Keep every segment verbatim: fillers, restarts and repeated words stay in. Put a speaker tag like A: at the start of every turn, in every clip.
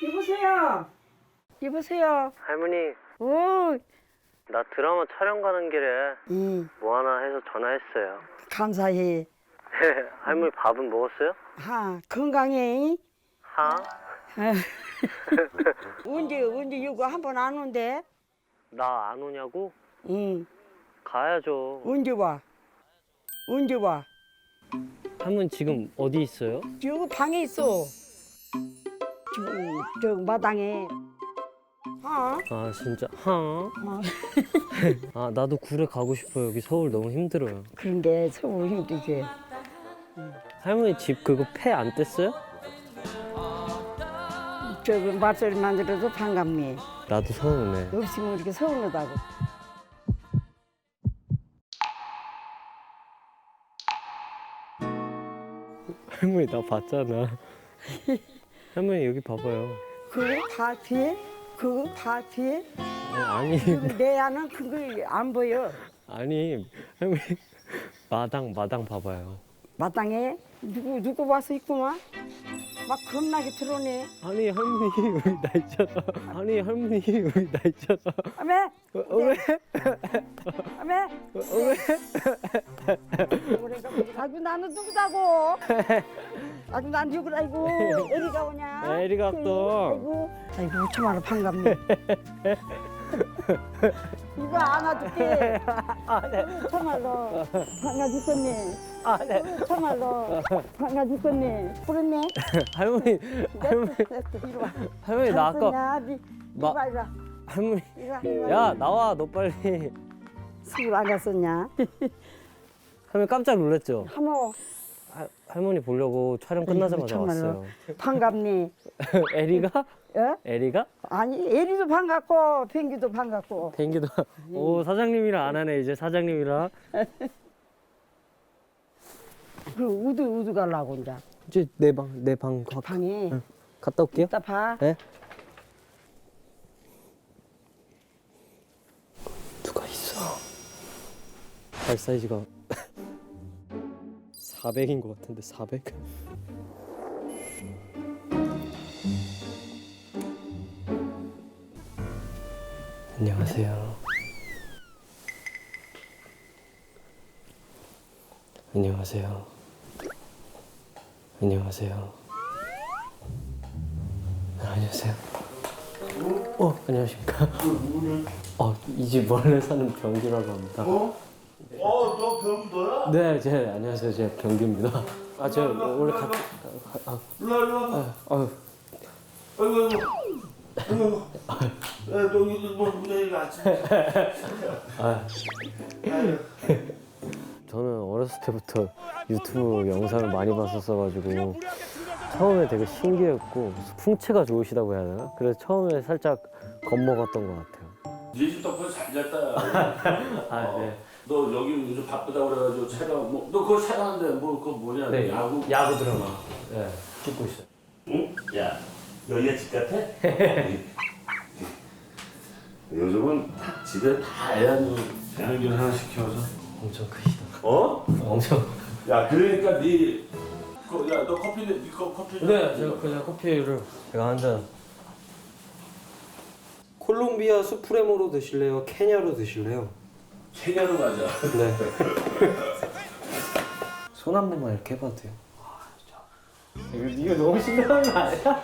A: 여보세요. 여보세요.
B: 할머니,
A: 오,
B: 나 드라마 촬영 가는 길에
A: 응,
B: 뭐 하나 해서 전화했어요.
A: 감사해.
B: 할머니 밥은 먹었어요?
A: 하, 건강해.
B: 하?
A: 언제 언제 이거 한 번 안 온대?
B: 나 안 오냐고?
A: 응.
B: 가야죠.
A: 언제 와? 언제 와?
B: 할머니 지금 어디 있어요?
A: 여기 방에 있어. 저, 저 마당에. 어?
B: 아 진짜 하?
A: 어.
B: 아 나도 구례 가고 싶어요. 여기 서울 너무 힘들어요.
A: 그런데 서울 힘들지.
B: 할머니 집 그거 폐 안 뗐어요?
A: 저기 맛소리만 들어도 반갑네.
B: 나도 서운해.
A: 없으면 이렇게 서운하다고.
B: 할머니 나 봤잖아. 할머니 여기 봐봐요.
A: 그거 다 피해? 그거 다 피해?
B: 아니
A: 내 안은 그거 안 보여.
B: 아니 할머니 마당 마당 봐봐요.
A: 마땅해? 누구 누구 와서 있구만? 막 겁나게 들어오네.
B: 아니 할머니 여기 나 있잖아. 아니 할머니 여기 나 있잖아.
A: 아메?
B: 어, 어, 왜?
A: 아메?
B: 어, 왜?
A: 아이고 나는 누구다고? 아이고 난 누구라이고? 에리가 오냐?
B: 에리가 왔어.
A: 아이고 아이고 참말로 반갑네. 이거 안아줄게. 참말로 반가 죽겠네.
B: 아, 네.
A: 참말로 반가 죽겠네. 그랬네.
B: 할머니 할머니
A: 이리 와.
B: 할머니 나 아까
A: 야, 니,
B: 마-
A: 이리 와, 이리 와.
B: 할머니
A: 이리 와, 이리 와.
B: 야 나와 너 빨리.
A: 술안 갔었냐?
B: 할머니 깜짝 놀랐죠?
A: 하모
B: 할 할머니 보려고 촬영 끝나자마자
A: 참말로.
B: 왔어요.
A: 반갑니?
B: 에리가?
A: 어?
B: 에리가?
A: 아니 에리도 반갑고 펭기도 반갑고.
B: 댕기도. 오 사장님이랑 안 하네 이제 사장님이랑.
A: 그 우드 우드 가려고 이제
B: 이제 내 방 내 방
A: 방에
B: 갔다 올게요.
A: 이따 봐.
B: 네? 누가 있어? 발 사이즈가 사백인 것 같은데 사백? 안녕하세요. 안녕하세요. 안녕하세요. 아, 안녕하세요. 어, 안녕하십니까. 어, 이 집 원래 사는 병규라고 합니다.
C: 어? 어, 너 병도야?
B: 네, 제 안녕하세요. 제 병규입니다. 아, 저 원래 같이 아,
C: 일로 와, 일로 와.
B: 아, 아,
C: 아이고, 아이고. 아이고. 야, 너 이거 뭐 무대가 아침에.
B: 아. 저는 어렸을 때부터 유튜브 영상을 많이 봤었어가지고 처음에 되게 신기했고 풍채가 좋으시다고 해야 되나? 그래서 처음에 살짝 겁먹었던 것 같아요.
C: 네집 덕분에 잘 잤다. 야.
B: 아, 네.
C: 너 여기 요즘 바쁘다고 그래가지고 촬영, 뭐, 너 그거 촬영하는데 뭐, 그거 뭐냐?
B: 네,
C: 야구?
B: 야구 드라마. 네, 찍고 있어요.
C: 응? 야, 여기가 집 같아? 요즘은 다 집에 다 애완, 애완견 하나 시켜서.
B: 엄청 크시다.
C: 어?
B: 엄청.
C: 야, 그러니까 네, 그, 야, 너 커피, 네 거, 커피. 좀-
B: 네, 제가 그냥 커피를 제가 한 잔. 콜롬비아 수프레모로 드실래요? 케냐로 드실래요?
C: 케냐로 가자.
B: 네. 손 한 번만 이렇게 해봐도 돼요? 아, 진짜. 이거, 이거 너무 신기한 거 아니야?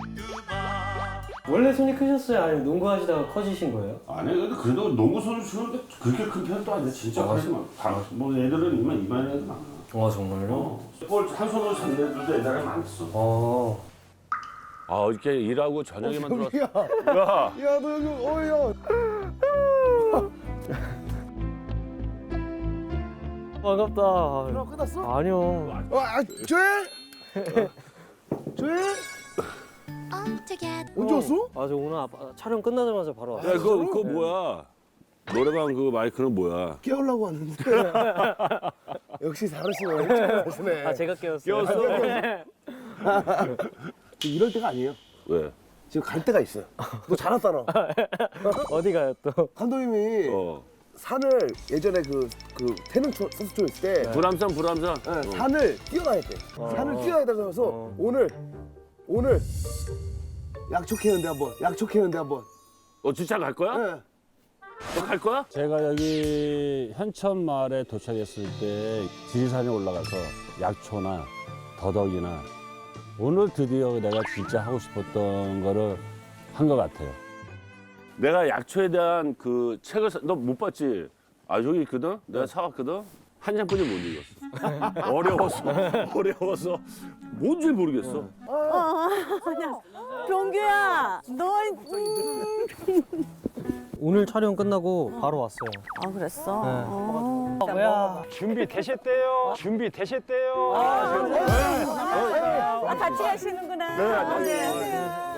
B: 원래 손이 크셨어요? 아니면 농구하시다가 커지신 거예요?
C: 아니, 근데 그래도 농구 선수 치는데 그렇게 큰 편도 아니야. 진짜
B: 아,
C: 크지 마. 방- 뭐 애들은 이만 이만 애들 많아.
B: 아, 정말요?
C: 어. 볼한 손으로 잡는 애들도 옛날에 많았어.
B: 어.
D: 아 어저께 일하고 저녁에만 들어왔어.
E: 야, 야, 너 여기, 어, 야.
B: 반갑다.
E: 드라마 끝났어?
B: 아니요.
E: 어, 아, 조엘? 조엘? 언제 왔어?
B: 아, 저 오늘 아빠, 촬영 끝나자마자 바로 왔어요.
D: 야 그거 그거 뭐야? 노래방 그 마이크는 뭐야?
E: 깨우려고 왔는데. 역시 다르시네. 일찍 일어나시네.
B: 아, 제가 깨웠어요.
D: 깨웠어?
E: 이럴 때가 아니에요.
D: 왜?
E: 지금 갈 때가 있어요. 너 잘 왔잖아.
B: 어디 가요 또?
E: 감독님이
D: 어.
E: 산을 예전에 그, 그 태릉 초- 선수촌 있을 때
D: 불암산 불암산.
E: 네,
D: 어.
E: 산을 뛰어다녔대. 산을 뛰어다녀서
B: 어.
E: 오늘 오늘 약촉했는데 한번. 약촉했는데 한번.
D: 어 진짜 갈 거야?
E: 네.
D: 너 갈 거야?
F: 제가 여기 현천 마을에 도착했을 때 지리산에 올라가서 약초나 더덕이나 오늘 드디어 내가 진짜 하고 싶었던 거를 한 것 같아요.
D: 내가 약초에 대한 그 책을 너 못 봤지? 아 저기 있거든? 내가 사왔거든? 한 장뿐이 못 읽었어. 어려워서 어려워서 뭔지 모르겠어.
G: 병규야, 너 음.
H: 오늘 촬영 끝나고 바로 왔어요.
G: 아 그랬어?
H: 네.
G: 어.
H: 뭐야?
I: 준비 되셨대요. 준비 되셨대요.
G: 아, 같이 가시는구나. 네, 안녕하세요.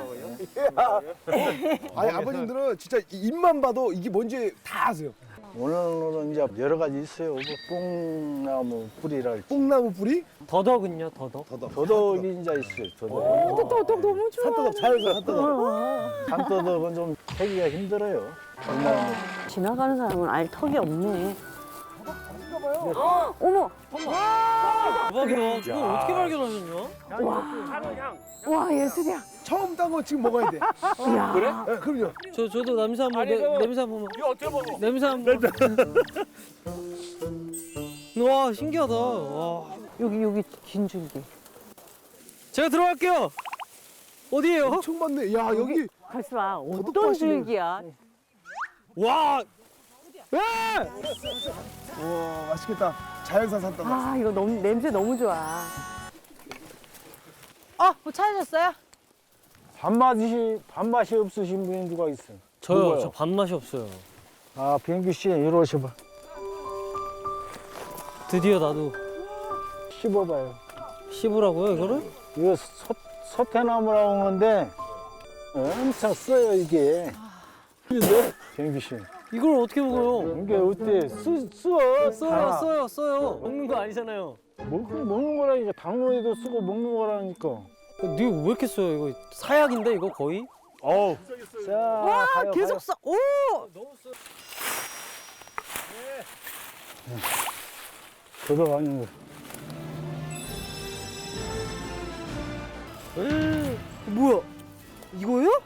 E: 아니 아버님들은 진짜 입만 봐도 이게 뭔지 다 아세요.
I: 오늘은 이제 여러 가지 있어요. 뭐 뽕나무 뿌리랄지.
E: 뽕나무 뿌리?
H: 더덕은요, 더덕?
E: 더덕.
I: 도덕이 이제 있어요. 도덕.
G: 더덕 너무 좋아.
E: 산더덕 자연산 산더덕.
I: 산도덕은 좀 캐기가 힘들어요. 뽕나무.
G: 지나가는 사람은 알 턱이 없네. 어머,
H: 대박이다. 이걸 어떻게 발견하셨냐?
G: 와 예술이야.
E: 처음 딴 거 지금 먹어야 돼.
G: 야.
E: 그래? 네, 그럼요.
H: 저 저도 냄새 한번 내, 냄새 한번.
D: 이거 어떻게 먹어?
H: 냄새 한번. 와 신기하다. 와.
G: 여기 여기 긴 줄기.
H: 제가 들어갈게요. 어디에요?
E: 엄청 많네. 야 여기
G: 가수 봐. 어떤
E: 더덕밭이네.
G: 줄기야?
H: 와. 예!
E: 와 맛있겠다. 자연산 산더덕.
G: 아 이거 너무 냄새 너무 좋아. 어, 뭐 찾으셨어요?
I: 밥맛이 밥맛이 없으신 분이 누가 있어?
H: 저요.
I: 누구요?
H: 저 밥맛이 없어요.
I: 아 비행규 씨 이리 오셔봐.
H: 드디어 나도
I: 씹어봐요.
H: 씹으라고요 이거를?
I: 이거 소, 소태나무라고 하는데 엄청 써요 이게. 근데 비행규 씨
H: 이걸 어떻게 먹어요?
I: 이게 어때? 쓰 써.
H: 써요,
I: 다.
H: 써요, 써요. 먹는 거 아니잖아요.
I: 먹, 먹는 거라니까 당뇨에도 쓰고 먹는 거라니까.
H: 니가 왜 이렇게 써요? 이거 사약인데 이거 거의?
D: 어우
I: 자,
G: 와
I: 가요,
G: 계속
I: 가요.
G: 써. 오.
I: 저도 아닌 거.
H: 에이, 뭐야? 이거요?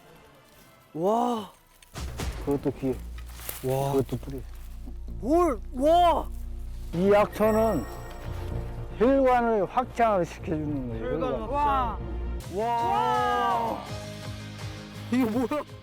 H: 와,
I: 그것도 귀,
H: 와,
I: 그것도 뿌리.
H: 뭘, 와,
I: 이 약초는 혈관을 확장을 시켜주는 거예요. 혈관.
H: 와, 와, 이게 뭐야?